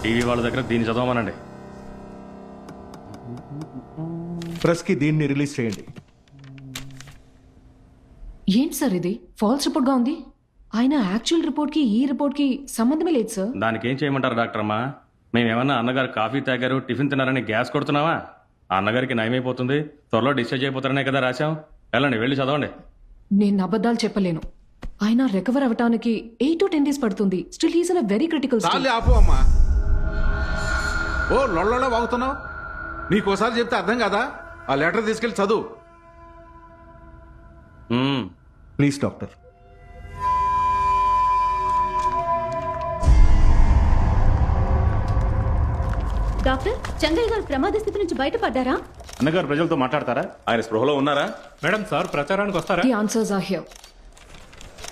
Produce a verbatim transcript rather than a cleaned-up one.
TV వాళ్ళ దగ్గర దీన్ని చదవమనండి. ప్రెస్కి దీన్ని రిలీజ్ చేయండి. ఏంటి సార్ ఇది ఫాల్స్ రిపోర్ట్గా ఉంది? ఆయన యాక్చువల్ రిపోర్ట్కి ఈ రిపోర్ట్కి సంబంధమే లేదు సార్. దానికి ఏం చేయమంటారు డాక్టర్ అమ్మా? మేమేమన్నా అన్నగారు కాఫీ తాగారు, టిఫిన్ తిన్నారని గ్యాస్ కొడుతున్నావా? ఆ అన్నగారికి నయమైపోతుంది, త్వరలో డిశ్చార్జ్ అయిపోతారనే కదా రాశాం. వెళ్ళండి, వెళ్ళి చదవండి. నేను అబద్ధాలు చెప్పలేను. ఆయన రికవర్ అవ్వటానికి ఎయిట్ టు టెన్ డేస్ పడుతుంది. Still he's in a very critical stage. చాలు ఆపు అమ్మా. ఓ లొల్లలో వాగుతున్నావు. నీకోసారి చెప్తే అర్థం కదా. ఆ లెటర్ తీసుకెళ్లి చదువు. మ్మ్. Please doctor. Doctor, Changayya garu ప్రమాద స్థితి నుంచి బయటపడ్డారా? అన్నగారు ప్రజలతో మాట్లాడతారా? ఆయన స్పృహలో ఉన్నారా? మేడం సార్ ప్రచారానికి వస్తారా? The answers are here.